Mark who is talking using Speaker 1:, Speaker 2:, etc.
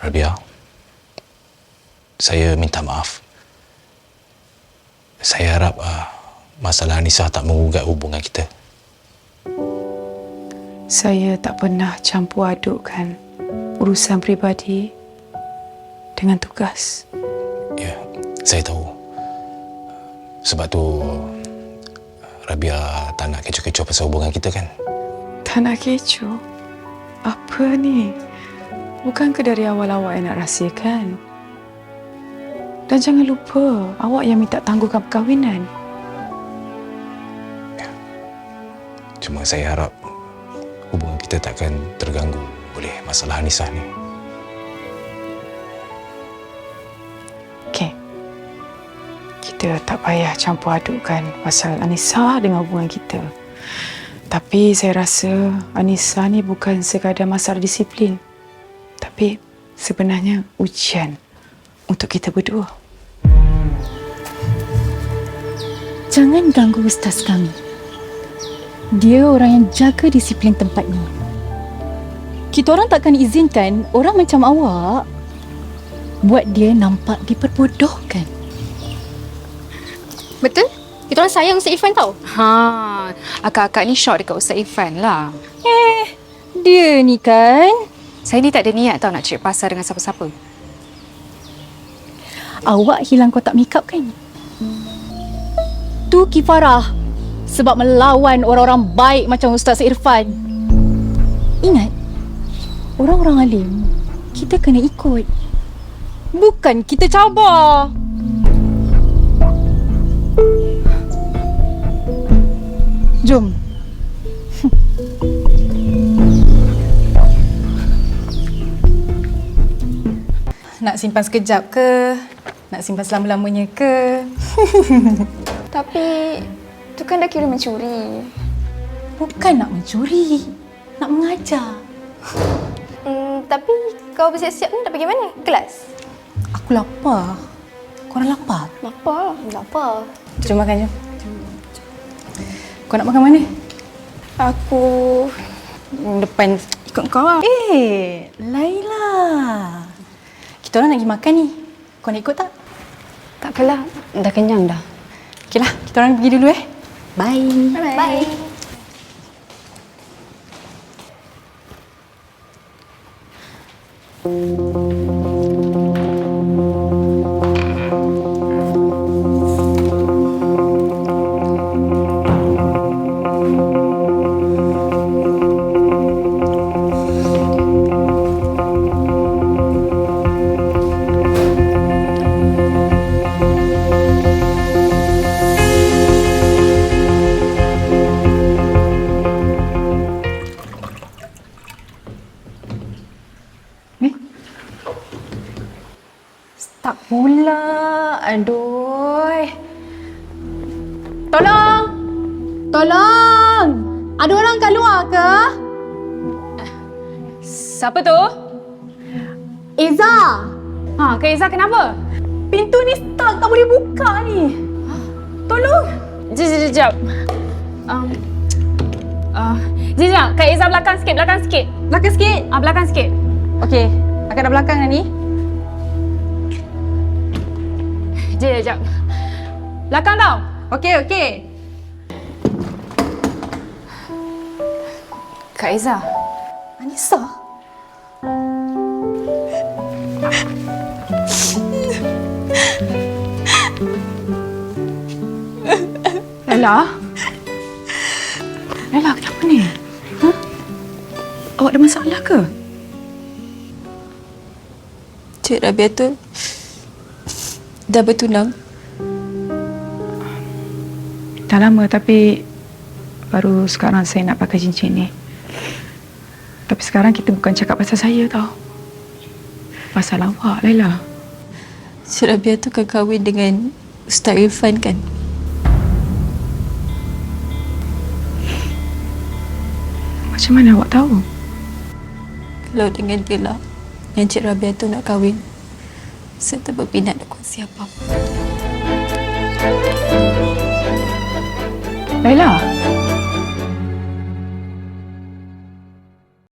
Speaker 1: Rabia, saya minta maaf. Saya harap masalah Anissa tak menggugat hubungan kita.
Speaker 2: Saya tak pernah campur adukkan urusan peribadi dengan tugas.
Speaker 1: Ya, saya tahu. Sebab tu Rabia tak nak kecoh-kecoh pasal hubungan kita kan?
Speaker 2: Tak nak kecoh? Apa ni? Bukankah dari awal awak yang nak rahsiakan? Dan jangan lupa, awak yang minta tangguhkan perkahwinan.
Speaker 1: Ya. Cuma saya harap hubungan kita takkan terganggu oleh masalah Anissa ni.
Speaker 2: Okey. Kita tak payah campur adukkan pasal Anissa dengan hubungan kita. Tapi saya rasa Anissa ni bukan sekadar masalah disiplin. Tapi sebenarnya ujian untuk kita berdua.
Speaker 3: Jangan ganggu ustaz kami. Dia orang yang jaga disiplin tempat ni. Kita orang takkan izinkan orang macam awak buat dia nampak diperbodohkan.
Speaker 4: Betul? Kita orang sayang Ustaz Irfan tau. Akak-akak ni shock dekat Ustaz Irfan lah.
Speaker 3: Dia ni kan.
Speaker 4: Saya ni tak ada niat tau nak cari pasal dengan siapa-siapa.
Speaker 3: Awak hilang kotak makeup kan? Tu kifarah sebab melawan orang-orang baik macam Ustaz Irfan. Ingat, orang-orang alim kita kena ikut. Bukan kita cabar. Jom. Nak simpan sekejap ke? Nak simpan selama-lamanya ke?
Speaker 5: Tapi tu kan dah kira mencuri.
Speaker 3: Bukan nak mencuri, nak mengajar.
Speaker 5: Tapi kau bersiap-siap ni dah pergi mana? Kelas?
Speaker 3: Aku lapar. Korang lapar?
Speaker 5: Lapar.
Speaker 3: Jom makan, jom. Kau nak makan mana?
Speaker 5: Aku depan ikut kau lah.
Speaker 3: Laila. Kita orang nak pergi makan ni. Kau nak ikut tak?
Speaker 5: Takkanlah, dah kenyang dah.
Speaker 3: Okeylah, kita orang pergi dulu Bye.
Speaker 5: Bye.
Speaker 3: Tak pula. Aduh. Tolong. Tolong. Ada orang kat luar ke?
Speaker 4: Siapa tu?
Speaker 3: Eza.
Speaker 4: Kak Izzah kenapa?
Speaker 3: Pintu ni stuck. Tak boleh buka ni. Tolong.
Speaker 4: Sekejap. Sekejap. Kak Izzah belakang sikit.
Speaker 3: Belakang sikit.
Speaker 4: Belakang sikit.
Speaker 3: Okey. Akak dah belakang dah ni.
Speaker 4: Sekejap. Belakang tau.
Speaker 3: Okey.
Speaker 4: Kak Izzah.
Speaker 3: Anissa.
Speaker 2: Laila? Laila, kenapa ni? Awak ada masalah ke?
Speaker 6: Cik Rabia tu dah bertunang.
Speaker 2: Dah lama tapi baru sekarang saya nak pakai cincin ni. Tapi sekarang kita bukan cakap pasal saya tau. Pasal awak, Laila.
Speaker 6: Cik Rabia tu kan kahwin dengan Ustaz Irfan kan?
Speaker 2: Macam mana awak tahu?
Speaker 6: Kalau dengan dia lah yang Cik Rabia tu nak kahwin, saya tak berminat nak kongsi apa-apa.
Speaker 2: Laila.